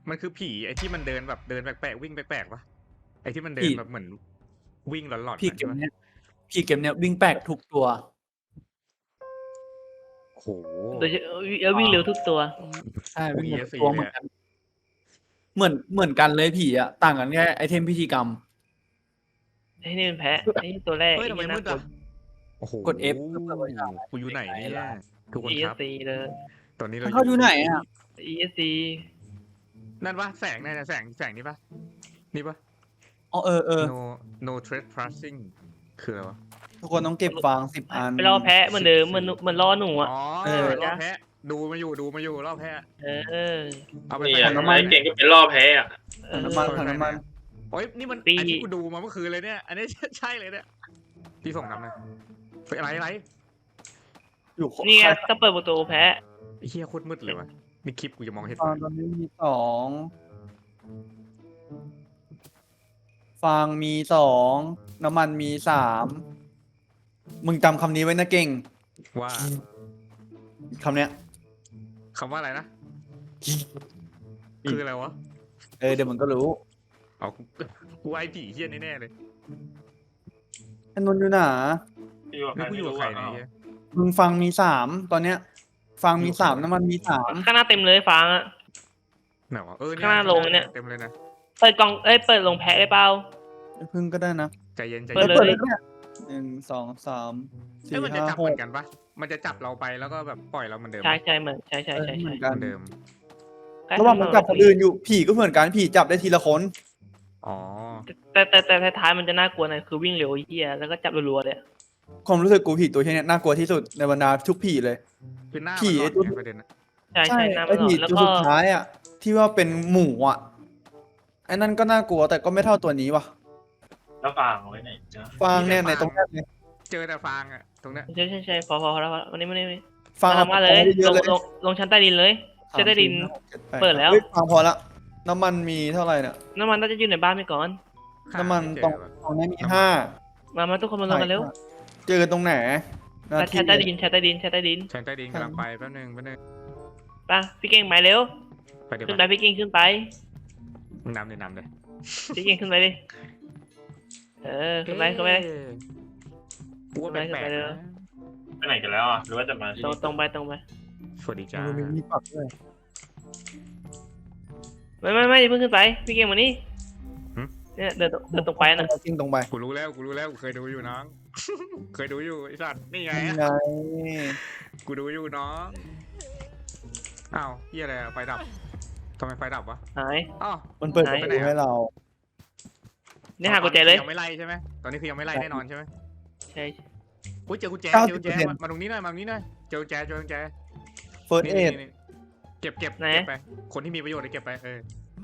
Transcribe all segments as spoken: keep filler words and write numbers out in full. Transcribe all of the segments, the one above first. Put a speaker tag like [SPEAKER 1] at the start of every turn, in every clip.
[SPEAKER 1] มันคือผีไอ้ที่มันเดินแบบเดินแปลกๆวิ่งแปลกๆปะไอ้ที่มันเดินแบบเหมือนวิ่งหลอนๆ
[SPEAKER 2] พี่เก
[SPEAKER 1] ใช่
[SPEAKER 2] ม
[SPEAKER 1] ไหม
[SPEAKER 2] เนี้ยพี่เกมเนี้ยวิ่งแปลกทุกตัว
[SPEAKER 1] โห
[SPEAKER 3] โดยเฉพาะแล้ววิ่งเร็วทุกตัว
[SPEAKER 2] ใช่วิ่ง
[SPEAKER 1] โอ้
[SPEAKER 2] เร็ว
[SPEAKER 1] อี เอส ซี
[SPEAKER 2] ตัว
[SPEAKER 1] เล
[SPEAKER 2] เหมื
[SPEAKER 1] ย
[SPEAKER 2] อน
[SPEAKER 1] อะ
[SPEAKER 2] กัน เหมือนเหมือนกันเลยผีอะต่างกันแค่ไอเทมพิธีกรรม
[SPEAKER 3] ไอ้นี่เป็นแพะไอ้นี่ตัวแรก
[SPEAKER 1] เฮ้ย
[SPEAKER 3] ไอ้
[SPEAKER 1] ทำไม
[SPEAKER 3] นี่
[SPEAKER 1] มื
[SPEAKER 3] น่า
[SPEAKER 1] ด
[SPEAKER 3] กลัว
[SPEAKER 1] อ่ะโอ้โห
[SPEAKER 2] กด F เพื่อเปิดไว้ฉาก
[SPEAKER 1] กูอยู่ไหนเนี่ยทุกคน
[SPEAKER 3] อี
[SPEAKER 1] ค
[SPEAKER 3] เอ
[SPEAKER 1] รั
[SPEAKER 3] ส
[SPEAKER 1] บ
[SPEAKER 3] ซี เลย
[SPEAKER 1] ตอนนี้เรา
[SPEAKER 2] เขาอยู่ไหนอะ
[SPEAKER 3] อี เอส ซี
[SPEAKER 1] นั่นปะแสงนั่นน่ะแสงแสงนี่ปะนี่ปะ
[SPEAKER 2] อ๋อเออเออ
[SPEAKER 1] no no trespassing คืออะไรวะ
[SPEAKER 2] ทุกคนต้องเก็บฟางสิบอัน
[SPEAKER 3] ไปรอแพะเหมือนเดิมเหมือนเหมือนรอหนูอ่ะ
[SPEAKER 1] อ๋อ
[SPEAKER 2] เออ
[SPEAKER 1] รอบแพะดูมาอยู่ดูมาอยู่รอบแพะ
[SPEAKER 3] เออ
[SPEAKER 1] เอาไป
[SPEAKER 4] นี่
[SPEAKER 1] ใส่
[SPEAKER 4] อ่ะ
[SPEAKER 2] น้ำมัน
[SPEAKER 4] ไอ้เก่งก็เป็นล่อแพ้อ่ะ
[SPEAKER 3] เออ
[SPEAKER 2] น้ำมันถังน้ำมัน
[SPEAKER 1] โอ้ยนี่มัน
[SPEAKER 3] ตี
[SPEAKER 1] อันที่กูดูมาเมื่อคืนเลยเนี่ย อันนี้ ใช่เลยเนี่ยพี่ส่งน้ำหนะไปอะไรอะไร
[SPEAKER 2] อยู่
[SPEAKER 3] นี่ไงต้องเปิดประตูแพะ
[SPEAKER 1] ไอ้เฮียโคตรมืดเลยวะนี่คลิปกูจะมองเห็น
[SPEAKER 2] ฟางตอนนี้มีสองฟางมีสองน้ำมันมีสามมึงจำคำนี้ไว้นะเก่ง
[SPEAKER 1] ว่า
[SPEAKER 2] คำเนี้ย
[SPEAKER 1] คำว่าอะไรนะ คืออะไรวะ
[SPEAKER 2] เออเดี๋ยวมันก็รู้
[SPEAKER 1] เอากูกูไอผีเฮี้ยแน่ๆเลย
[SPEAKER 2] ไอ้นนท์อยู่ไหนา
[SPEAKER 4] พี่ว่าใคร
[SPEAKER 1] แล้วกู
[SPEAKER 4] ไม่
[SPEAKER 1] อยู่กับ
[SPEAKER 4] รู้
[SPEAKER 1] ใคร
[SPEAKER 4] อ่ะ
[SPEAKER 1] เนี่ย
[SPEAKER 2] มึงฟังมีสามตอนเนี้ย ฟังมีสามน้ำมันมีสาม
[SPEAKER 3] ข้างหน้าเต็มเลยฟางอ่ะ
[SPEAKER 1] ไหนวะเออ
[SPEAKER 3] ข้างหน้าลงเนี่ย
[SPEAKER 1] เต็มเลยนะ
[SPEAKER 3] เปิดกล่องเอ้ยเปิดลงแพะได้เปล่า
[SPEAKER 2] พึ่งก็ได้นะ
[SPEAKER 1] ใจเย็นใจ
[SPEAKER 3] เปิ
[SPEAKER 1] เย็
[SPEAKER 3] ด
[SPEAKER 1] น
[SPEAKER 3] เลย
[SPEAKER 2] เปิดเนี่ยหนึ่งสองสามสี่
[SPEAKER 1] เอ้ยมันจะ
[SPEAKER 2] ห้า
[SPEAKER 1] จับ
[SPEAKER 2] ห
[SPEAKER 1] เหมื
[SPEAKER 2] ก
[SPEAKER 1] อนกันปะมันจะจับเราไปแล้วก็แบบปล่อยเราเหมือนเดิม
[SPEAKER 3] ใช่ใช่เหมือนใช่ใช่
[SPEAKER 2] เออ
[SPEAKER 3] ใช่
[SPEAKER 2] เหมื
[SPEAKER 3] ใช่
[SPEAKER 2] อนกัน
[SPEAKER 1] เหมือนเดิม
[SPEAKER 2] ระหว่างมันจับคนอื่นอยู่ผีก็เหมือนกันผีจับได้ทีละคน
[SPEAKER 1] อ๋อ
[SPEAKER 3] แต่แต่แต่แต่ท้ายมันจะน่ากลัวหน่อยคือวิ่งเร็วไอ้เหี้ยแล้วก็จับรัวๆเลย
[SPEAKER 2] ความรู้สึกกูผีตัวเช่นเนี้ยน่ากลัวที่สุดในบรรดาทุกผีเลย
[SPEAKER 1] คือหน้า
[SPEAKER 2] ผี
[SPEAKER 1] มันหลอน
[SPEAKER 2] ไอ้ตัว
[SPEAKER 1] ไงประเด็นอะ
[SPEAKER 3] ใช่ใช่น้ำ
[SPEAKER 2] ไอ้
[SPEAKER 3] มันหลอ
[SPEAKER 2] ผี
[SPEAKER 3] นแล้ว
[SPEAKER 2] ตัว
[SPEAKER 3] ก็
[SPEAKER 2] สุดท้ายอ่ะที่ว่าเป็นหมูอ่ะไอ้นั่นก็น่ากลัวแต่ก็ไม่เท่าตัวนี้ว่ะ
[SPEAKER 4] แล้วฟางเอาไว้ไหนจ๊ะ
[SPEAKER 2] ฟางเนี่ยในตรงนี้เลย
[SPEAKER 1] เจอแต่ฟางอะตรงเนี้ย
[SPEAKER 3] ใช่ใช่ใช่พอพอพอแล้วพอวันนี้วันนี้วันนี้
[SPEAKER 2] ฟาง
[SPEAKER 3] มามาเลย
[SPEAKER 2] เย
[SPEAKER 3] ล
[SPEAKER 2] อะ
[SPEAKER 3] ง
[SPEAKER 2] เลย
[SPEAKER 3] ลงลงชั้นใต้ดินเลยชั้นใต้ดิน เปิดแล้ว
[SPEAKER 2] ฮ้ยฟางพอละน้ำมันมีเท่าไหร่เนี่ย
[SPEAKER 3] น้ำมันน่าจะอยู่ในบ้านไปก่อน
[SPEAKER 2] น้ำมัน
[SPEAKER 1] หาไเจ
[SPEAKER 2] ตรง
[SPEAKER 1] วะ
[SPEAKER 2] ตรงนี้มีห้า
[SPEAKER 3] มามาทุกคนมาลงกันเร็ว
[SPEAKER 2] เจอตรงไหนนาที
[SPEAKER 3] ชั้นใต้ดินชั้นใต้ดินชั้นใต้ดิน
[SPEAKER 1] ชั้นใต้ดินกำลังไปแป๊บนึงแป๊บนึง
[SPEAKER 3] ไปพี่เก่งไปเร็ว
[SPEAKER 1] ไปเดี๋ยว
[SPEAKER 3] ขึ้นไป
[SPEAKER 1] ไป
[SPEAKER 3] พี่เก่งขึ้นไป
[SPEAKER 1] มึงนำเลยนำเลย
[SPEAKER 3] พี่เก่งขึ้นไปดิเออขึ้นไปขึ้นไป
[SPEAKER 1] เอ๊ะกูว่าแปลก
[SPEAKER 3] ขึ้นไป
[SPEAKER 1] ๆ
[SPEAKER 3] เลย
[SPEAKER 1] นะ
[SPEAKER 4] ไปไหนกันแล้วอ่ะหรือว่าจะมาที่
[SPEAKER 3] ตรง
[SPEAKER 4] นี่
[SPEAKER 3] ตรงไปตรงไป
[SPEAKER 1] สวัสดีจ้า
[SPEAKER 2] มีมีปักด้วย
[SPEAKER 3] ไม่ไม่ไม่อย่าเพิ่งขึ้นไปพี่เก่งมานี่เนี่ยเดินตรงเดินตรงไปนะ
[SPEAKER 2] จริงตรงไป
[SPEAKER 1] กูรู้แล้วกูรู้แล้วกูเคยดูอยู่น้อง เคยดูอยู่ไอ้สัตว์นี่ไง
[SPEAKER 2] ยัง
[SPEAKER 1] อะ
[SPEAKER 2] ไง
[SPEAKER 1] กูดูอยู่น้องอ้าวเฮียอะไรอะไฟดับทำไมไฟดับวะ
[SPEAKER 3] หาย
[SPEAKER 1] อ้าว
[SPEAKER 2] มันเปิด
[SPEAKER 3] ไหน
[SPEAKER 2] ประตูให้เรา
[SPEAKER 3] เนี่ยหากุญแจเลย
[SPEAKER 1] ยังไม่ไล่ใช่ไหมตอนนี้คือยังไม่ไล่แน่นอนใช่ไหม
[SPEAKER 3] ใช่
[SPEAKER 1] อุ้ยเจอกุญแจ
[SPEAKER 2] เก้า
[SPEAKER 1] เจ
[SPEAKER 2] สิ
[SPEAKER 1] อบ กุญ
[SPEAKER 2] เปอร์
[SPEAKER 1] แจ
[SPEAKER 2] เซ็นต์
[SPEAKER 1] มามาตรงนี้หน่อยมาตรงนี้หน่อยเจอกุญแจเจอกุญแจ
[SPEAKER 2] เฟิร์ส
[SPEAKER 1] นี่
[SPEAKER 2] เอ
[SPEAKER 1] นี่
[SPEAKER 2] ด
[SPEAKER 1] นี่เก็บเก็บ
[SPEAKER 3] ไหน
[SPEAKER 1] เก็บไปคนที่มีประโยชน์เลยเก็บไปเออ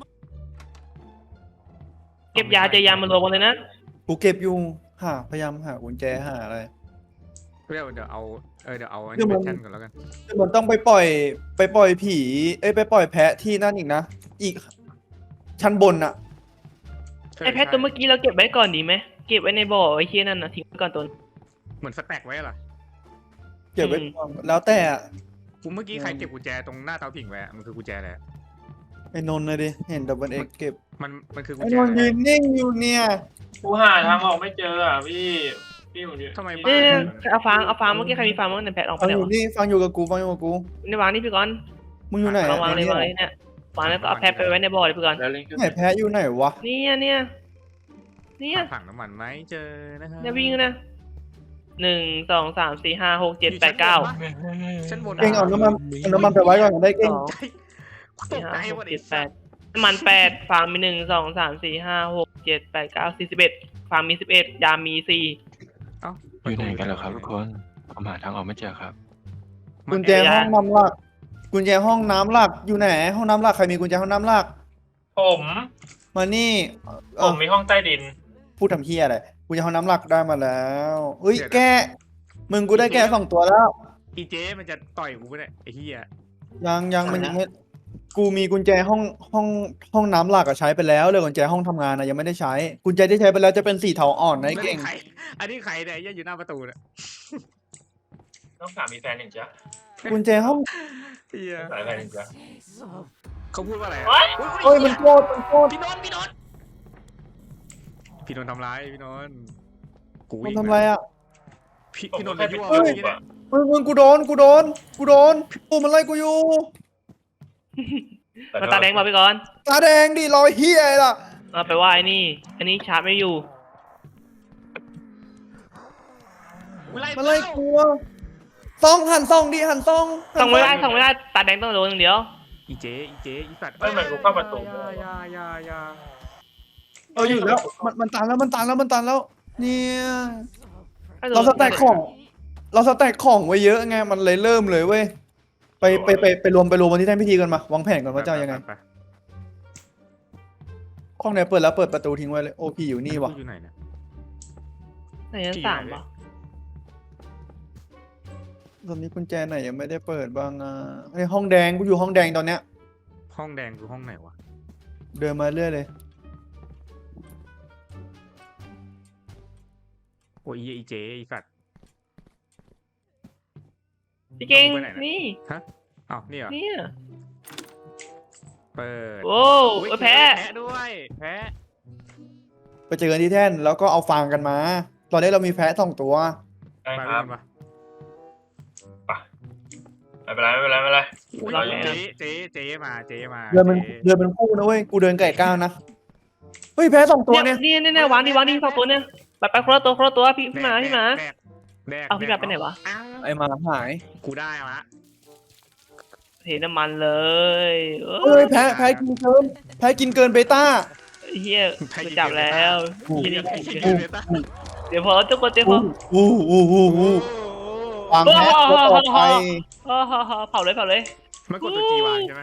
[SPEAKER 3] เก็บยาเจอยามารวมกันเลยนะ
[SPEAKER 2] กูเก็บอยู่หาพยายามหากุญแจหาอะไร
[SPEAKER 1] เดี๋ยวเดี๋ยวเอาเออเดี๋ยวเอาอัน
[SPEAKER 2] เดี๋
[SPEAKER 1] นี้
[SPEAKER 2] ยว
[SPEAKER 1] เป็
[SPEAKER 2] มัน
[SPEAKER 1] นแท่นก่อนแล้วกัน
[SPEAKER 2] มันต้องไปปล่อยไปปล่อยผี เอ้ยไปปล่อยแพะที่นั่นอีกนะ อีก ชั้นบนอะ
[SPEAKER 3] ไอแพทตัวเมื่อกี้เราเก็บไว้ก่อนดีไหมเก็บไว้ในบ่อไอ้เคียนั่นนะทิ้งไว้ก่อนตัว
[SPEAKER 1] เหมือนสแต็กไว้เหรอ
[SPEAKER 2] เก็บไว้
[SPEAKER 3] อืม
[SPEAKER 2] ก่อนแล้วแต่อะ
[SPEAKER 1] กูเมื่อกี้ใครเก็บกุญแจตรงหน้าเตาผิงไว้อะมันคือกุญแจอะไรอะ
[SPEAKER 2] ไอ้นนท์เลยดิ เห็นดับเบิลเอ็กเก็บ
[SPEAKER 1] มันมันคือกุญ
[SPEAKER 2] ไอ้
[SPEAKER 1] แจ
[SPEAKER 2] น
[SPEAKER 1] อะ
[SPEAKER 2] นท์
[SPEAKER 1] ไร
[SPEAKER 2] ยืนนิ่งอยู่เนี่ย
[SPEAKER 4] กูหาทางออกไม่เจออ่ะพี่พี่ผมอยู่
[SPEAKER 1] ทำไมบ้า
[SPEAKER 3] เนี่ย
[SPEAKER 1] น
[SPEAKER 3] เอาฟางเอาฟางเมื่อกี้ใครมีฟางบ้างในแพทออกไป
[SPEAKER 2] ฟัง
[SPEAKER 3] ไหน
[SPEAKER 2] อยู่
[SPEAKER 3] วะ
[SPEAKER 2] นี่ฟังอยู่กับกูฟังอยู่กับกู
[SPEAKER 3] ในวางนี่พี่ก่อน
[SPEAKER 2] มึงอยู่ไหน
[SPEAKER 3] ลองวางเลยวาง
[SPEAKER 2] ไห
[SPEAKER 3] เลยเนี่ยวางแล้วก็เอาแพทไปไว้ในบ่อเลยพี่ก่อน
[SPEAKER 4] แล้วเล่นขึ้น
[SPEAKER 2] นแพะอยู่ไหนวะ
[SPEAKER 3] เนี่ยเนี่ยเนี่ย
[SPEAKER 1] ถังน้ำมันไหมเจอนะครับ
[SPEAKER 3] เนี่ยวิ่งนะหนึ่งสองสามสี่ห้าหกเจ็ดแปดเก้า
[SPEAKER 1] ชั้นบน
[SPEAKER 2] เก่งเอาน้ำมันเอาน้ำมันไปไว้ก่อนได้เก่ง
[SPEAKER 3] สอง
[SPEAKER 1] ต
[SPEAKER 3] สี่
[SPEAKER 1] ก
[SPEAKER 3] ห้า
[SPEAKER 1] ใจ
[SPEAKER 3] ห
[SPEAKER 1] หม
[SPEAKER 3] ก
[SPEAKER 1] ด
[SPEAKER 3] เจ็
[SPEAKER 1] ไอ้
[SPEAKER 3] ดแป
[SPEAKER 1] สั
[SPEAKER 3] ด
[SPEAKER 1] ตว์
[SPEAKER 3] น้ำมันแปดฟางมีหนึ่งสองสามสี่ห้าหกเจ็ดแปดเก้าสี่สิบเอ็ดฟางมีสิบเอ็ดยามีสี่
[SPEAKER 1] เอ้า
[SPEAKER 5] อยู่ไหนกันเหรอครับทุกคนผมหาทางออกไม่เจอครับ
[SPEAKER 2] กุญแจห้องน้ำหลัก กุญแจห้องน้ำหลักอยู่ไหน ห้องน้ำหลักใครมีกุญแจห้องน้ำหลัก
[SPEAKER 4] ผม
[SPEAKER 2] มานี่
[SPEAKER 4] ผ
[SPEAKER 2] เอ่อ
[SPEAKER 4] มมีห้องใต้ดิน
[SPEAKER 2] พูดทำเฮียอะไรกุญแจห้องน้ำหลักได้มาแล้วเฮ้ยแกะมึงกูได้แกะสองตัวแล้ว
[SPEAKER 1] อีเจ๊มันจะต่อยกูไปเนี่ยไอ้เหี้ย
[SPEAKER 2] ยังยังมันยังไม่กูมีกุญแจห้องห้องห้องน้ำหลักอะใช้ไปแล้วเลยกุญแจห้องทำงานอะยังไม่ได้ใช้ กุญแจที่ใช้ไปแล้วจะเป็นสีเทาอ่อนนะไอ้เก่ง
[SPEAKER 1] ใครอันนี้ใครเนี่ยไอ้เหี้ยอยู่หน้าประตูเนี่ย
[SPEAKER 4] ต้องถามมีแฟนหนึ่งจ้ะ
[SPEAKER 2] กุญแจห้อง
[SPEAKER 1] เหี้ย
[SPEAKER 4] สายแฟนหนึ่งจ้ะ
[SPEAKER 1] เขาพูดว่าอะไรอะ
[SPEAKER 3] โอ๊ย
[SPEAKER 2] เฮ้ยมันโคตรมันโคตร
[SPEAKER 1] พี่นนท์พี่นนท์พี่นนท์ทำร้ายพี่นนท์กู
[SPEAKER 2] มัน
[SPEAKER 1] วิ่ง
[SPEAKER 2] ทำอะไรอ่ะ
[SPEAKER 1] พี่
[SPEAKER 4] ผม
[SPEAKER 1] พี่นนท์
[SPEAKER 4] แค่
[SPEAKER 1] ไป
[SPEAKER 4] ไป
[SPEAKER 1] ยั่ว
[SPEAKER 4] เจอ
[SPEAKER 1] เมื่อกี้
[SPEAKER 4] อ่ะ
[SPEAKER 1] เนี่ย
[SPEAKER 2] มึงมึงกูโดนกูโดนกูโดนกูมันไล่กูอยู่
[SPEAKER 3] มาตาแดงมาไปก่อน
[SPEAKER 2] ตาแดงดิรอยเฮียอะไรล่ะ
[SPEAKER 3] เอาไปว่าไอ้นี่ อันนี้ชาร์จไม่อยู่
[SPEAKER 1] กูไล่
[SPEAKER 2] มันไล่กูอะซองหันซองดิหันซองหัน
[SPEAKER 3] ส่องไม่ได้ส่องไม่ได้ตาแดงต้องโดนอย่างเดียว
[SPEAKER 1] อีเจอีเจอีสัตว์
[SPEAKER 4] ไม่เหมือนกูเข้าประตู
[SPEAKER 1] อยาอยาอยาอยา
[SPEAKER 2] เอออยู่แล้วมันมันตันแล้วมันตันแล้วมันตันแล้วเนี่ยเราสแต็กของ เราสแต็กของไว้เยอะไงมันเลยเริ่มเลยเว้ยไปไปไปไปรวมไปรวมวันที่แท่นพิธีกันมาวางแผนกันว่าจะเอายังไง
[SPEAKER 1] ปป
[SPEAKER 2] ห้องไหนเปิดแล้วเปิดประตูทิ้งไว้เลยโอพีอยู่นี่วะ
[SPEAKER 1] กูอยู่ไหนเนี่ย
[SPEAKER 3] ไหนชั้นสามปะ
[SPEAKER 2] ตอนนี้กุญแจไหนยังไม่ได้เปิดบ้างอ่ะไอห้องแดงกูอยู่ห้องแดงตอนเนี้ย
[SPEAKER 1] ห้องแดงคือห้องไหนวะ
[SPEAKER 2] เดินมาเรื่อยเลย
[SPEAKER 1] โอ้ยอีเจอีสัตว์
[SPEAKER 3] พี่เก่ง
[SPEAKER 1] ไปไหนนะ
[SPEAKER 3] นี่
[SPEAKER 1] อ้าวนี่เหรอ
[SPEAKER 3] เนี่ย
[SPEAKER 1] เปิด
[SPEAKER 3] โอ้
[SPEAKER 1] อุ๊ย
[SPEAKER 3] เออแพ้
[SPEAKER 1] แพ้ด้วยแพ้
[SPEAKER 2] ไปเจอกันที่แท่นแล้วก็เอาฟางกันมา ตอนนี้เรามีแพะสองตัว
[SPEAKER 4] ได้
[SPEAKER 1] ไป
[SPEAKER 4] ค
[SPEAKER 1] ด้
[SPEAKER 4] รั
[SPEAKER 1] ว
[SPEAKER 4] บ
[SPEAKER 1] ยปะ
[SPEAKER 4] ไม่เป็นไรไม่เป็นไรไม่เป็นไร
[SPEAKER 1] อุ๊ย
[SPEAKER 4] เราอยู่
[SPEAKER 1] เจ
[SPEAKER 4] นี่
[SPEAKER 1] เจเจมาเจมา
[SPEAKER 2] เดินเป็น
[SPEAKER 1] จ๊
[SPEAKER 2] เดินเป็นคู่นะเว้ยกูเดินไก่ก้าวนะเฮ้ยแพะสองตัว
[SPEAKER 3] เนี่
[SPEAKER 2] เนี่ย ย
[SPEAKER 3] นี่นี่นี่วางนี่วางนี่สองตัวเนี่ยไปไปคนละตัวคนละตัวพี่พี่หมาพี่หมา
[SPEAKER 1] แดกแดก
[SPEAKER 3] เอาพี่หมาไปไหนวะ
[SPEAKER 1] อ้าว
[SPEAKER 2] ไอหมาหาย
[SPEAKER 1] กูได้มา
[SPEAKER 3] เทน้ำมันเลยเอ
[SPEAKER 2] เฮ้
[SPEAKER 3] อย
[SPEAKER 2] แพะแพะกินเกินแพะกินเกินเบต้า
[SPEAKER 3] เฮียไปจับแล้ว
[SPEAKER 2] โอ้โห
[SPEAKER 3] เหี้ย
[SPEAKER 1] ไอ้
[SPEAKER 3] นี่
[SPEAKER 1] เหี้ยเบต้า
[SPEAKER 3] เดี๋ยวพอทุกคนเดี๋ยวพอ
[SPEAKER 2] อู้อู้อู้อู้วางแพะตัวต่อไป
[SPEAKER 3] เออเผาเลยเผาเลย
[SPEAKER 1] มันกดตัวจีวางใช่ไหม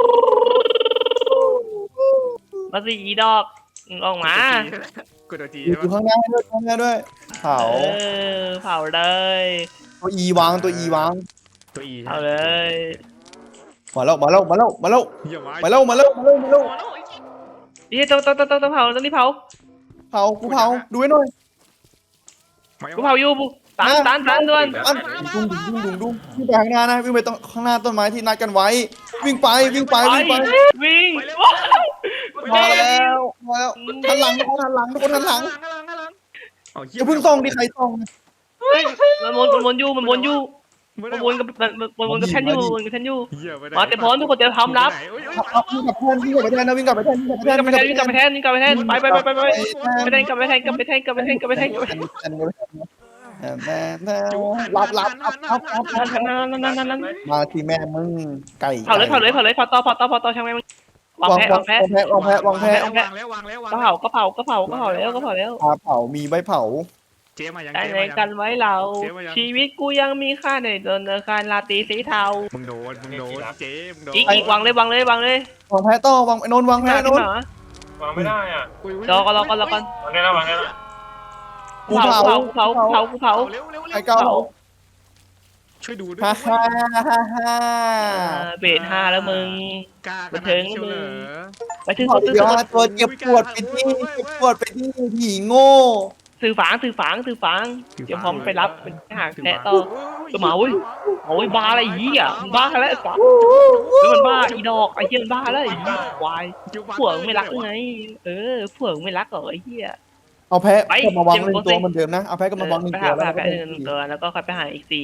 [SPEAKER 3] มาสิอีดอกออกมา
[SPEAKER 1] กดตัวจี
[SPEAKER 2] อยู่
[SPEAKER 1] ใช่ไหม
[SPEAKER 2] ข้างหน้าด้วยข้างหน้าด้วยเผา
[SPEAKER 3] เออเผาเลย
[SPEAKER 2] ตัวอีวางตัวอีวาง
[SPEAKER 1] ตัวอี
[SPEAKER 3] เผาเลย
[SPEAKER 2] มาแล้วมาแล้วมาแล้วมาแล้ว
[SPEAKER 1] เหี้ยมา
[SPEAKER 2] มาแล้วมาแล้วมาแล้วมาแล้ว
[SPEAKER 3] เฮ้ยต้องต้องต้องต้องเผาต้องรีบเผา
[SPEAKER 2] เผากูเผาดูให้หน่อย
[SPEAKER 3] กูเผาอยู่ตันตันตันด่วน
[SPEAKER 2] อันดุ้งดุ้งดุ้งดุ้งดุ้งวิ่งไปข้างหน้านะวิ่งไปตรงข้างหน้าต้นไม้ที่นัดกันไว้ วิ่งไปวิ่งไปวิ่งไป
[SPEAKER 3] วิ่ง
[SPEAKER 2] มาแล้วมาแล้วหันหลังทุกคนหันหลังทุกคนหันหลัง
[SPEAKER 1] ข้างหลังข้างหลังเอาเหี้
[SPEAKER 2] อย่าเพิ่งส่องดิใครส่อง
[SPEAKER 3] เฮ้ยมันวนมันวนอยู่มันวนอยู่มันวนกับมันมันวนกับแทนอยู่วนกับแทนอยู่
[SPEAKER 1] เหี้ยไปไหน
[SPEAKER 3] มาแต่พร้อมทุกคนจะทำรับ
[SPEAKER 1] เฮ้ยเฮ้ย
[SPEAKER 2] เอาวิ่งกลับแท่นวิ่งกลับไปแท่นนะวิ่งกลับไปแท่นวิ่งกลับไปแท่
[SPEAKER 3] วิ่
[SPEAKER 2] น
[SPEAKER 3] งกลับไปแทนวิ่งกลับไปแทนวิ่งกลับไปแทนไปไปไปไปไปไปแทนกลับไปแทนกลับไปแทนกลับไปแทนกลับไปแทนกลับไปแทน
[SPEAKER 2] แท่นแท่นแท่นแท่นรับรับรับรับรับ
[SPEAKER 3] นั่นนั่นนั่นนั่น
[SPEAKER 2] มาที่แม่มึงไก่
[SPEAKER 3] เผาเลยเผาเลยเผาเลยเผาต่อเผาต่อเผาต่อช่างแม่งวาง
[SPEAKER 2] วาง
[SPEAKER 3] แพ้
[SPEAKER 2] วาว
[SPEAKER 3] าง งแพ้
[SPEAKER 2] วางแพะวางแพะวางแพะ
[SPEAKER 1] วางแล้ววางแล้ววาง
[SPEAKER 3] ก็
[SPEAKER 1] แล้ว
[SPEAKER 3] เผาก็เผาก็เผาก็เผาแล้วก็เผาแล้ว
[SPEAKER 2] ปลาเผามีใบเผา
[SPEAKER 1] เจ๊มายัง
[SPEAKER 3] ได้
[SPEAKER 1] เจ๊
[SPEAKER 3] ใน
[SPEAKER 1] มายัง
[SPEAKER 3] กันไว้เรา ชีวิตกูยังมีค่าในธนาคารลาตีสีเทา
[SPEAKER 1] มึงโดนมึงโดนเจ๊มึงโดน
[SPEAKER 3] อีกอีกวางเลยวางเลยวางเลย
[SPEAKER 2] วางแพะต่อวางไอ้นนท์วางแพะ
[SPEAKER 3] ขึ้
[SPEAKER 2] น
[SPEAKER 3] น
[SPEAKER 2] นท์
[SPEAKER 3] มาว
[SPEAKER 4] างไม่ได้อ่ะ
[SPEAKER 3] รอก่อนรอก่อนรอก่อน
[SPEAKER 4] วางได้แล้ววางได้แล้ว
[SPEAKER 2] กู
[SPEAKER 3] เผา
[SPEAKER 2] เผา
[SPEAKER 3] เผาเผาเผาเผา
[SPEAKER 1] เร็วเร็ว
[SPEAKER 2] ไอ้
[SPEAKER 1] เร็ว
[SPEAKER 2] เก้า
[SPEAKER 1] ช่วยดูด้วย
[SPEAKER 2] ฮ่าฮ่าฮ่าฮ่า
[SPEAKER 3] เบรดห้าแล้วมึง
[SPEAKER 1] กล้า
[SPEAKER 3] บันเทิง
[SPEAKER 1] เชียวเหรอ
[SPEAKER 3] ไปถึง
[SPEAKER 2] ขอ
[SPEAKER 3] ตัว
[SPEAKER 2] เดี๋ยว
[SPEAKER 3] ตัว
[SPEAKER 2] ตัวเจ็บปวดไปที่เจ็บปวดไปที่ผีโง่
[SPEAKER 3] สื่อฝางสื่อฝางสื่อฝางเดี๋ยวพร้อมไปรับไปหาแพ้ต่อ ตัวหมาเว้ย โอ้ยบ้าอะไรอีอ่ะบ้าแล้วสัสแล้วมันบ้าอีดอกไอ้เหี้ยมันบ้าแล้วไอ้ควายผัวมึงไม่รักหรือไง เออผัวมึงไม่รักเหรอไอ้เหี้ย
[SPEAKER 2] เอาแพะ
[SPEAKER 3] ไป
[SPEAKER 2] กลับมาวางหนึ่ง
[SPEAKER 3] เจ็บปวด
[SPEAKER 2] ตัวเหมือนเดิมนะเอาแพะกลับมาวางหนึ่ง
[SPEAKER 3] ไป
[SPEAKER 2] ตัว
[SPEAKER 3] หาไป
[SPEAKER 2] แล้ว
[SPEAKER 3] หาแพ้หนึ่งตัวแล้วก็ค่อยไปหาอีกสี่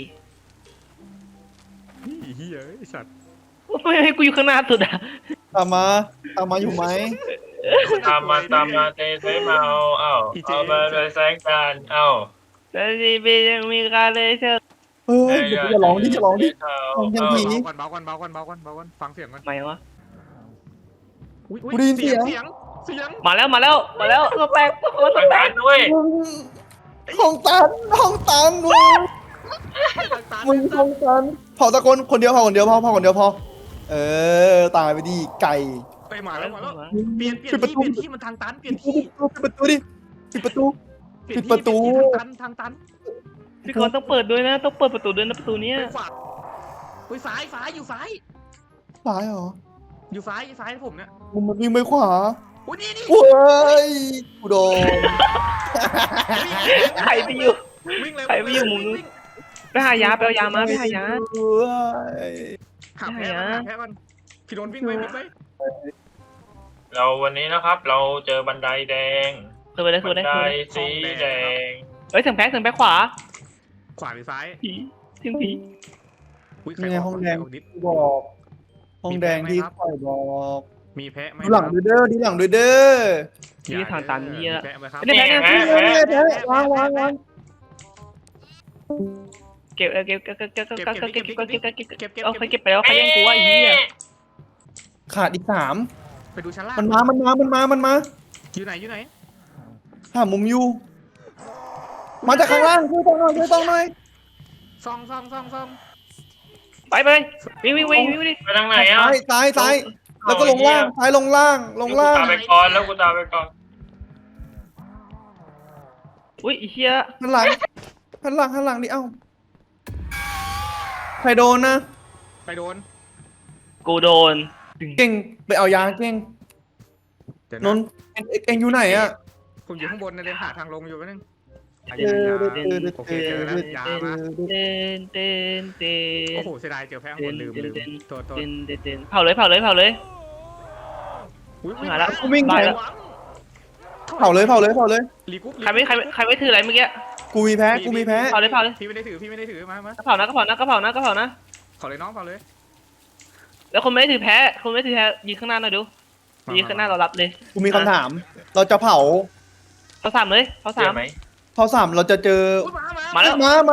[SPEAKER 1] เฮียไอ้สัตว์
[SPEAKER 3] ไม่ให้กูอยู่ข้างหน้าสุดอ่ะ
[SPEAKER 2] ตามมาตามมาอยู่ไหม
[SPEAKER 4] ตามมาตามมาเตะเตะมาเอาเอ้าเอามาเลยแซงกันเอ้า
[SPEAKER 3] แต่ดีบียังมีการเลยเชิญ
[SPEAKER 2] เฮ้ยเดี๋ยวจะร้องดิจะร้องดิ
[SPEAKER 4] เอา
[SPEAKER 2] ยัง
[SPEAKER 4] เอา
[SPEAKER 2] ผี
[SPEAKER 1] เบาก่อนเบาก่อนเบาก่อนเบาก่อนเบาก่อนฟังเสียงก่อน
[SPEAKER 3] ไหมวะ
[SPEAKER 1] อุ๊ยอุ๊
[SPEAKER 2] กูได้ยินเสียง
[SPEAKER 1] เสียงเสียง
[SPEAKER 3] มาแล้วมาแล้วมาแล้วตัวแปลกตัว
[SPEAKER 4] ทาง
[SPEAKER 3] แปล
[SPEAKER 4] กาก รด้วย
[SPEAKER 2] มึงห้องตันห้องตันมึงมึงห้องตันเผาตะโกนคนเดียวเผาคนเดียวพอเผาคนเดียวพอเออตายไปดิไก่
[SPEAKER 1] ไปมาแล้วมาแล้วเปลี่ยนเปลี่ยนที่เปลี่ยนที่มันทางตันเปลี่ยน
[SPEAKER 2] ปิ
[SPEAKER 1] ที่
[SPEAKER 2] ดประตูดิปิดประตู
[SPEAKER 1] เปลี่ยน
[SPEAKER 2] ปิดประตู
[SPEAKER 1] ที่เปลี่ยนที่ทางตันทางตัน
[SPEAKER 3] พี่กรณ์ต้องเปิดด้วยนะต้องเปิดประตูด้วยนะประตูเนี้ย
[SPEAKER 1] ไปขวาไปซ้ายซ้ายอยู่ซ้าย
[SPEAKER 2] ซ้ายเหรอ
[SPEAKER 1] อยู่ซ้ายซ้ายผมเนี่ย
[SPEAKER 2] มึงมันวิ่งไปขวา
[SPEAKER 1] โอ้ยนี่นี่
[SPEAKER 2] โอ้ยกูโดน
[SPEAKER 3] ใครไปอยู่
[SPEAKER 1] วิ่งเลย
[SPEAKER 3] ใครไม่อยู่มุมนู้น ไปหายาไปเอายามาไปหายา
[SPEAKER 2] เอ้ย
[SPEAKER 1] หาแพ้ก่อนหาแพ้ก่อนพี่โดนวิ่งไปวิ่งไป
[SPEAKER 4] เราวันนี้นะครับ เราเจอบันไดแดง
[SPEAKER 3] คือไปเลยคือ
[SPEAKER 4] บั
[SPEAKER 3] ไป
[SPEAKER 4] น
[SPEAKER 3] เลย
[SPEAKER 4] ได
[SPEAKER 3] คือไปเลย
[SPEAKER 4] สีแดง
[SPEAKER 3] เฮ้ยเสียงแพ้เสียงแพ้ขวา
[SPEAKER 1] ขวาหรือซ้าย
[SPEAKER 3] ผีเสียงผี
[SPEAKER 1] อุ้ยใคร
[SPEAKER 2] เนี่ย
[SPEAKER 1] ก
[SPEAKER 2] ห้องแดง
[SPEAKER 1] ใครกนิด
[SPEAKER 2] ที่บอกห้องแดงที่คอยบอก
[SPEAKER 1] มีแพะไหม
[SPEAKER 2] ดูหลัง
[SPEAKER 1] ครับ
[SPEAKER 2] ด้วยเด้อดูหลังด้วยเด้อ
[SPEAKER 3] นี่ทางตันเหี้ย
[SPEAKER 1] มีแพะไหมครับ
[SPEAKER 3] เนี่ย
[SPEAKER 2] เฮ้ยเฮ้ยเฮ้ยวางวางวาง
[SPEAKER 3] เก็บเออเก็บเก็บเก็บเก็บเก็บเก็บเก็บเก็บเก็บเก็บเก็บ
[SPEAKER 1] เก็บเก็บ
[SPEAKER 3] เอาใครเก็บไปแล้วใครยังกูว่าไอ้เหี้ย
[SPEAKER 2] ขาดอีกสาม
[SPEAKER 1] ไปดูชั้นล่าง
[SPEAKER 2] มันมา มันมา มันมา มันมา
[SPEAKER 1] อยู่ไหนอยู่ไหน
[SPEAKER 2] หามุมอยู่ มาจากข้างล่างช่วยต้องหน่อยช่วยต้องหน่อย
[SPEAKER 1] ซองซองซองซอง
[SPEAKER 3] ไปไปวิ่งวิ่งวิ่งวิ่งดิ
[SPEAKER 4] ไปทางไหนอ่ะ
[SPEAKER 2] ซ้ายซ้ายซ้ายแล้วก็ลงล่างซ้ายลงล่างลงล่าง
[SPEAKER 4] กูตามไปก่อนแล้วกูตามไปก่อน
[SPEAKER 3] อุ้ยไอ้เหี้ย
[SPEAKER 2] หันหลังหันหลังหันหลังดิเอ้าใครโดนนะ
[SPEAKER 1] ไปโดน
[SPEAKER 3] กูโดน
[SPEAKER 2] เก่งไปเอายาเก่ง
[SPEAKER 1] เดี๋ยวน
[SPEAKER 2] นท์เอ็งเอ็งอยู่ไหนอะ
[SPEAKER 1] ผมอยู่ข้างบนนะเดินหาทางลงอยู่แป๊บนึงอ่ะ
[SPEAKER 2] เออ
[SPEAKER 1] ยัง
[SPEAKER 2] เอ
[SPEAKER 1] ยัง
[SPEAKER 2] อเออ
[SPEAKER 1] โอเคเจอแล้วยามา
[SPEAKER 3] เต้นเต้นเต้น
[SPEAKER 1] โอ้โหเสียดายเจอแพ้ข้างบนลืมลืมโทษโทษ
[SPEAKER 3] เต้นเต้นเต้นเผาเลยเผาเลยเผาเลย
[SPEAKER 1] อุ๊ย
[SPEAKER 3] หาแล้ว
[SPEAKER 2] กูวิ่ง
[SPEAKER 3] ได้
[SPEAKER 2] ไป
[SPEAKER 3] แล้ว
[SPEAKER 2] เผาเลยเผาเลยเผาเลย
[SPEAKER 1] รีกุ๊บ
[SPEAKER 3] ใครไม่ใครใครไม่ถืออะไรเมื่อกี้
[SPEAKER 2] กูมีแพ้กูมีแพ้
[SPEAKER 3] เผาเลยเผาเลย
[SPEAKER 1] พี่ไม่ได้ถือพี่ไม่ได้ถือมามา
[SPEAKER 3] ก็เผานะก็เผานะก็เผานะก็เผานะ
[SPEAKER 1] ขอเลยน้องขอเลย
[SPEAKER 3] แล้วคนไม่ได้ถือแพ้คนไม่ได้ถือแพ้ยืนข้างหน้าหน่อยดูยืนข้างหน้าเรารับเลย
[SPEAKER 2] กูมีคำถาม เราจะเผา
[SPEAKER 3] เผาสามเลยเผา
[SPEAKER 4] เจ
[SPEAKER 3] สา
[SPEAKER 4] อ
[SPEAKER 3] ม
[SPEAKER 4] ไหม
[SPEAKER 2] เผาสามเราจะเจอ
[SPEAKER 1] อุ๊ยมามา
[SPEAKER 3] มาแล้ว
[SPEAKER 2] มามา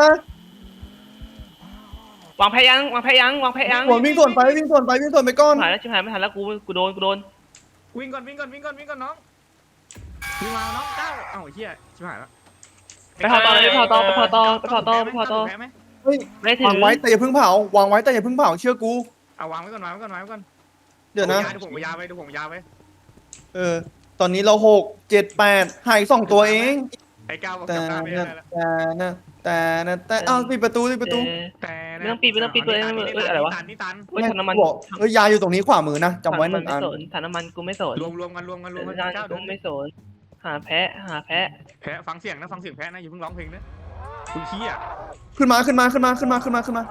[SPEAKER 3] วางแพ้ยังวางแพ้ยังวางแพ้ยัง
[SPEAKER 2] ส่วนวิ่งส่วนไปวิ่งส่วนไปวิ่งส่วนไปก้อน
[SPEAKER 3] หายแล้วชิบหายไม่ทันแล้วกูกูโดนกูโดน
[SPEAKER 1] วิ่งก่อนวิ่งก่อนวิ่งก่อนวิ่งก่อนน้องวิ่งมาน้องเก้าเอ้าไอ้เหี้ยชิบหายแล้ว
[SPEAKER 3] ไปเผาต่อเลยไปเผาต่อไปเผาต่อไปเผาต่อไปเผาต่อ
[SPEAKER 1] แพ้ไหม
[SPEAKER 2] เฮ้ย
[SPEAKER 3] ไม่ได้ถือ
[SPEAKER 2] วางไว้แต่อย่าเพิ่งเผาวางไว้แต่อย่าเพิ่งเผาเชื่อกู
[SPEAKER 1] เอาวางไว้ก่อนวางไว้ก่อนวางไว้ก่อน
[SPEAKER 2] เดี๋ยวนะ
[SPEAKER 1] เดี๋ยวผมยาไปเดี๋ยวผมยาไป
[SPEAKER 2] เออ ตอนนี้เราหกเจ็ดแปดหายสองตัวเอง
[SPEAKER 1] ไอ้ก้าวบอก
[SPEAKER 2] แต่
[SPEAKER 1] จำหน้าไม่ได้
[SPEAKER 2] นะ
[SPEAKER 1] แล้ว
[SPEAKER 2] แต่นะแต่นะแต่อ้าวปิดประตูปิดประตู
[SPEAKER 1] แต่
[SPEAKER 3] ไม่ต้องปิดไม่ต้องปิดเลยเอ้ยอะไรวะ
[SPEAKER 1] นี่ตัน
[SPEAKER 3] เฮ้ยถังน้ำมัน
[SPEAKER 2] บอกเฮ้ยยาอยู่ตรงนี้ขวามือนะจำไว้หนึ่งอัน
[SPEAKER 3] ไม่สนถังน้ำมันกูไม่สน
[SPEAKER 1] รวมรวมกันรวมกันรวมกัน
[SPEAKER 3] จาน
[SPEAKER 1] เก้า
[SPEAKER 3] กู
[SPEAKER 1] เดิน
[SPEAKER 3] ไม่สนหาแพ้หาแพ้
[SPEAKER 1] แพ้ฟังเสียงนะฟังเสียงแพ้นะอย่าเพิ่งร้องเพลงนะคุณเฮีย
[SPEAKER 2] ขึ้นมาขึ้นมาขึ้นมาขึ้นมาขึ้นมาขึ้นมา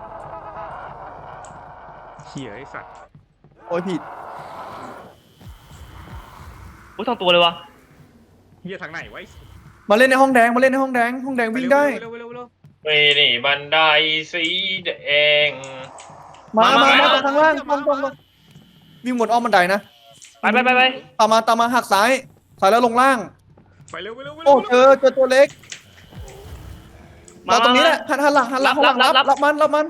[SPEAKER 1] เฮียไอ้สัตว์
[SPEAKER 2] โอ้ยผิด
[SPEAKER 3] อุ้ยสองตัวเลยวะ
[SPEAKER 1] เฮียทางไหนไว้
[SPEAKER 2] มาเล่นในห้องแดงมาเล่นในห้องแดงห้องแดงวิ่งได้
[SPEAKER 1] เร็วเร็วเร็ว
[SPEAKER 4] ไปนี่บันไดสีแดง
[SPEAKER 2] มามา
[SPEAKER 4] มา
[SPEAKER 2] มา
[SPEAKER 4] มา
[SPEAKER 2] จากข้างล่างตรงตรงวิ่งบนอ้อมบันไดนะ
[SPEAKER 3] ไปไปไปไป
[SPEAKER 2] ตามมาตามมาหักซ้ายซ้ายแล้วลงล่าง
[SPEAKER 1] ไปเร็วเร็ว
[SPEAKER 2] โอ้เจอเจอตัวเล็ก
[SPEAKER 3] มา
[SPEAKER 2] เราตรงนี้แหละหันหันหลังหันหลังหันหลังรับรับมันรับมัน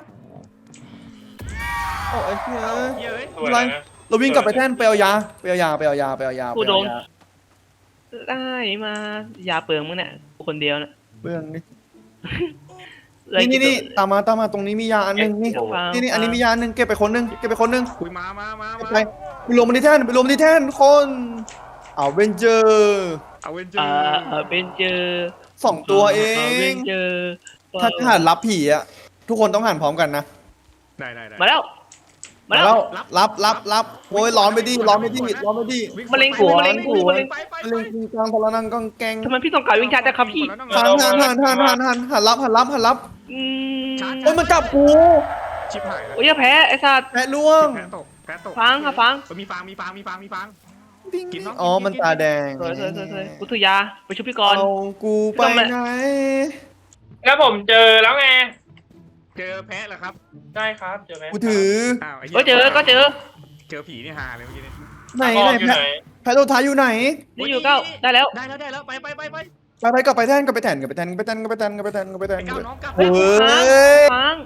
[SPEAKER 2] โอ้ไอ้เหี้ย
[SPEAKER 1] เฮียเอ้ย
[SPEAKER 4] สวยแล้วนะ
[SPEAKER 2] เราวิ่งกลับไปแท่นไปเอายาไปเอายาไปเอายาไปเอายา
[SPEAKER 3] กูโดนได้มาอย่าเปลืองมึงเนี่ยกูคนเดียวเนี่ย
[SPEAKER 2] เบื้องนี่นี่นี่ตามมาตามมาตรงนี้มียาอันหนึงนี่นี่นี่อันนี้มียาอันหนึงเก็บไปคนหนึงเก็บไปคนหนึง
[SPEAKER 1] คุยมามามามา
[SPEAKER 2] ไปไปรวมมันที่แท่นไปรวมมันที่แท่นคนเอาเวนเจอร์
[SPEAKER 1] เอาเวนเจอ
[SPEAKER 3] อ่า
[SPEAKER 1] ร์
[SPEAKER 3] เป็นเจอ
[SPEAKER 2] สองตัวเอ
[SPEAKER 3] เป็
[SPEAKER 2] ง
[SPEAKER 3] นเจอ
[SPEAKER 2] ถ้าหันรับผีอะทุกคนต้องหันพร้อมกันนะ
[SPEAKER 1] ได้ได้ได้
[SPEAKER 3] มาแล้วมา
[SPEAKER 2] มา
[SPEAKER 3] แล้
[SPEAKER 2] แล้ว วรับรับรับโอ้ยร้อนไปดิร้อนไปดิร้อนไปดิ
[SPEAKER 3] มะเร็งหัวมะเร็งหัว
[SPEAKER 1] ไปไป
[SPEAKER 2] เรื่องจริงจังพลนังกองแกง
[SPEAKER 3] ทำไมพี่ต้องการวิ่งชาร์จแต่ครับพี่
[SPEAKER 2] หันหันหันหันหันหันหันรับหันรับหันรับ
[SPEAKER 3] อืม
[SPEAKER 2] โอ้ยมันจับกู
[SPEAKER 1] ชิบหายแล้ว
[SPEAKER 3] โอ้ยอย่าแพ้ไอ้สัตว์
[SPEAKER 2] แพะล่วง
[SPEAKER 1] แพ้ตกแพ้ตก
[SPEAKER 3] ฟังค่ะฟัง
[SPEAKER 1] มีฟางมีฟางมีฟางมีฟาง กินเนอะ
[SPEAKER 2] อ๋อมันตาแดง
[SPEAKER 3] สวยสวยสวยสวยกูถือยาไปชุบพี่กรณ์
[SPEAKER 2] เอากูไปไหน
[SPEAKER 4] แล้วผมเจอแล้วไง
[SPEAKER 1] เจอแพ้เหรอครับ
[SPEAKER 4] ได้ครับเจอไหม
[SPEAKER 2] กูถือ
[SPEAKER 1] อ้าวไอ้เหี้
[SPEAKER 3] ก็
[SPEAKER 1] ย
[SPEAKER 3] เจอก็เจอ
[SPEAKER 1] เจอผีนี่ฮาเลยเมื่อกี้นี้
[SPEAKER 2] ไหน
[SPEAKER 4] ออ
[SPEAKER 2] ไหน
[SPEAKER 4] กอยู่
[SPEAKER 2] แพะ
[SPEAKER 4] ไหน
[SPEAKER 2] แพะโลท้ายอยู่ไหน
[SPEAKER 3] นี่อยู่เก้าได้แล้ว
[SPEAKER 1] ได้แล้วได้แล้วไปไปไปไป
[SPEAKER 2] ไปไปกลับไปแท่นกลับไปแท่นกลับไปแท่นกลับไปแท่นกลับไปแท่นกลับไปแท่นกลับไปแท่น
[SPEAKER 1] ไอ้ก้าวน้องกลับ
[SPEAKER 2] เฮ้ย
[SPEAKER 3] ฟัง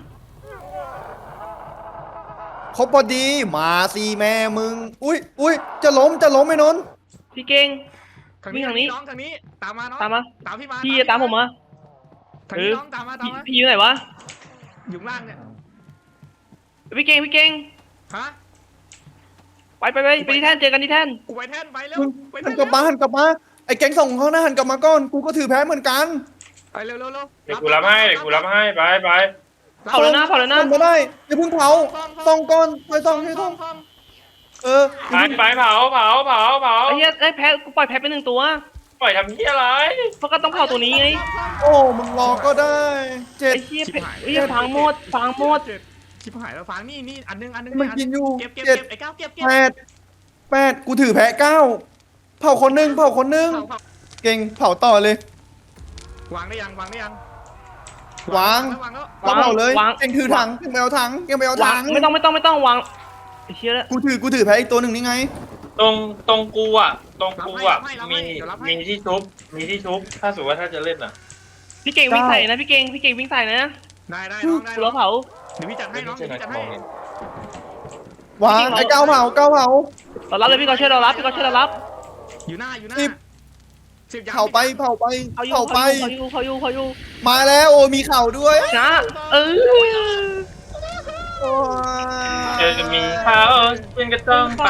[SPEAKER 2] ครบพอดีมาสิแม่มึงอุ้ยอุ้ยจะล้มจะล้มไอ้นนท์
[SPEAKER 3] พี่เก่ง
[SPEAKER 1] ทาง
[SPEAKER 3] วิ่
[SPEAKER 1] นี้
[SPEAKER 3] งทางนี้
[SPEAKER 1] น้องทางนี้ตามมาน้อง
[SPEAKER 3] ตามมา
[SPEAKER 1] ตามพี่มา
[SPEAKER 3] พี่ตามผมมา
[SPEAKER 1] ทางนี้น้องตามมาตาม
[SPEAKER 3] พี่
[SPEAKER 1] มา
[SPEAKER 3] พี่อยู่ไหนวะ
[SPEAKER 1] อยู่ข้างล่างเนี่ย
[SPEAKER 3] พี่เก่งพี่เก่ง
[SPEAKER 1] ฮะ
[SPEAKER 3] ไปไปไปไปที่แท่นเจอกันที่แท่น
[SPEAKER 1] กูไปแท่นไปเร็ว
[SPEAKER 2] มึง
[SPEAKER 1] ไป
[SPEAKER 2] หั
[SPEAKER 1] แท่
[SPEAKER 2] น
[SPEAKER 1] น
[SPEAKER 2] กลับมาหันกลับมาไอ้แก๊งส่งเขาหน้าหันกลับมาก่อนกูก็ถือแพ้เหมือนกัน
[SPEAKER 1] ไปเร็วเร็วเร็ว
[SPEAKER 4] เดี๋ยวกูรับให้เดี๋ยวกูรับให้ไปไป
[SPEAKER 3] เผาแล้วนะเผาแล้วนะ
[SPEAKER 2] ส่งมาได้อย่าเพิ่งเผาส่งก่อนไปส่งให้ส่งเออ
[SPEAKER 4] ไปไปเผาเผาเผาเผา
[SPEAKER 3] ไอ้เหี้ยไอ้แพ้กูปล่อยแพ้ไปหนึ่งตัว
[SPEAKER 4] ปล่อยทำเหี้ยอะไร
[SPEAKER 3] เพราะก็ต้องเผาตัวนี้ไง
[SPEAKER 2] โอ้มึงรอก็ได้เจ็ด
[SPEAKER 3] ไอ้เหี้ยแพ้ไอ้เหี้ยฟางหมดฟางหมด
[SPEAKER 1] ชิบหายแล้วฟางนี่นี่อันนึงอันนึง
[SPEAKER 2] มันกินอยู่
[SPEAKER 1] เก็บเก็บ
[SPEAKER 2] เจ็ด
[SPEAKER 1] เก็บไอ้ก้าวเก็บเก็บ
[SPEAKER 2] แปดแปดกูถือแพ้เก้าเผาคนหนึงเผาคนหนึง
[SPEAKER 1] เผาเผา
[SPEAKER 2] เก่งเผาต่อเลย
[SPEAKER 1] วางได้ยังวางได้ยัง
[SPEAKER 2] วาง
[SPEAKER 1] แล้ววางแล้ว
[SPEAKER 2] เราเผาเลยเก่งถือถังเก่งไปเอาถังเก่งไปเอา
[SPEAKER 3] วา
[SPEAKER 2] ถั
[SPEAKER 3] ง
[SPEAKER 2] ง
[SPEAKER 3] ไม่ต้องไม่ต้องไม่ต้องวางไอ้เชี่ยแล้ว
[SPEAKER 2] กูถือกูถือแพ้อีกตัวหนึ่งนี่ไง
[SPEAKER 4] ตรงตรงกูอ่ะตรงกูอ่ะมีมีที่ชุบมีที่ชุบถ้าสมมติว่าถ้าจะเล่นอ่ะ
[SPEAKER 3] พี่เก่งวิ่งใส่นะพี่เก่งพี่เก่งวิ่งใส่นะ
[SPEAKER 1] ได้ได้น้องได้
[SPEAKER 3] กู
[SPEAKER 1] น้
[SPEAKER 3] ร
[SPEAKER 1] อ
[SPEAKER 3] อง เผา
[SPEAKER 1] เดี๋ยวพี่จัดให้น้องเดี๋ยวพี่จัดให้
[SPEAKER 2] วางไอ้เก้าเผาเก้าเผา
[SPEAKER 3] เรารับเลยพี่กอช่วยเรารับพี่กอช่วยเรารับ
[SPEAKER 1] อยู่หน้าอยู่หน้า
[SPEAKER 2] สิบ
[SPEAKER 1] สิบยัง
[SPEAKER 2] เผาไปเผาไป
[SPEAKER 3] เขาอยู่
[SPEAKER 2] เผาไป
[SPEAKER 3] เขาอยู่เขาอยู่เขาอยู่
[SPEAKER 2] มาแล้วโอ้มีเข่าด้วย
[SPEAKER 3] นะเออ
[SPEAKER 2] โอ้
[SPEAKER 4] เจอจะมีเขาเป็นก็ต้องไป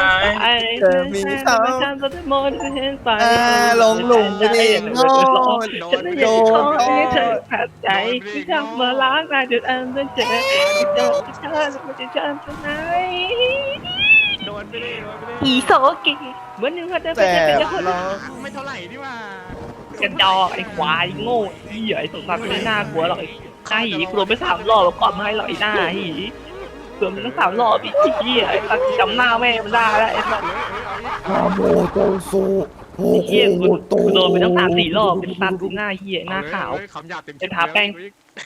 [SPEAKER 2] อ่าลงหลุมไปดิโง่
[SPEAKER 3] ฉันไม่อยากขอให้เธอขัดใจที่ทำมาล้างตาจุดอันเป็นเจ็บที่เจอที่เธอไม่จะจำฉันไหน
[SPEAKER 1] โดนไปเลยโดนไปเลย
[SPEAKER 3] อีโซกิเหมือนหนึ่งคนเดินไป
[SPEAKER 2] แต่
[SPEAKER 3] เจอเป็นคน
[SPEAKER 2] เรา
[SPEAKER 1] ไม่เท่าไหร่นี่ว่าก
[SPEAKER 3] ระจอกไอ้ควายโง่ไอ้เหี้ยไอ้สมศักดิ์ไม่น่ากลัวหรอกไอ้ไอ้หีกลัวไปสามรอบแล้วก่อนไม่ให้หรอกไอ้หน้าหีกลัวมันตั้งสามรอบอีกไอ้เหี้ยไอ้สักจำหน้าแม่มันได้แล้วไอ้สัก
[SPEAKER 2] ฮาโมโตโซโฮ
[SPEAKER 3] ไอ้
[SPEAKER 2] โค
[SPEAKER 3] เหี้ย
[SPEAKER 2] โมโต
[SPEAKER 3] กูโดนไปตั้งสามสี่รอบเป็นตันหน้าเหี้ยหน้าขาว
[SPEAKER 1] เอ้ยคำหยาบเต็ม
[SPEAKER 3] เป็นทาแป้ง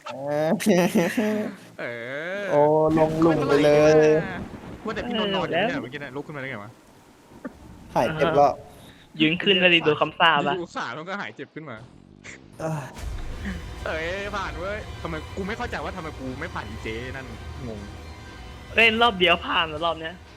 [SPEAKER 1] เออ
[SPEAKER 2] โอ้ลงหลุมไปเลย
[SPEAKER 1] ว่าแต่พี่นนท์นอนอยู่เนี่ยเมื่อกี้เนี่ยลุกขึ้นมาได้ไงวะ
[SPEAKER 2] หายเจ็บแล้ว
[SPEAKER 3] ยืนขึ้นเลยดิโดนคำสาปอะ
[SPEAKER 1] ดูขาแล้วก็หายเจ็บขึ้นมา
[SPEAKER 2] อ่า
[SPEAKER 1] เอ้ยผ่านเว้ยทำไมกูไม่เข้าใจว่าทำไมกูไม่ผ่านอีเจนั่นงง
[SPEAKER 3] เล่นรอบเดียวผ่านแล้วรอบเนี้ย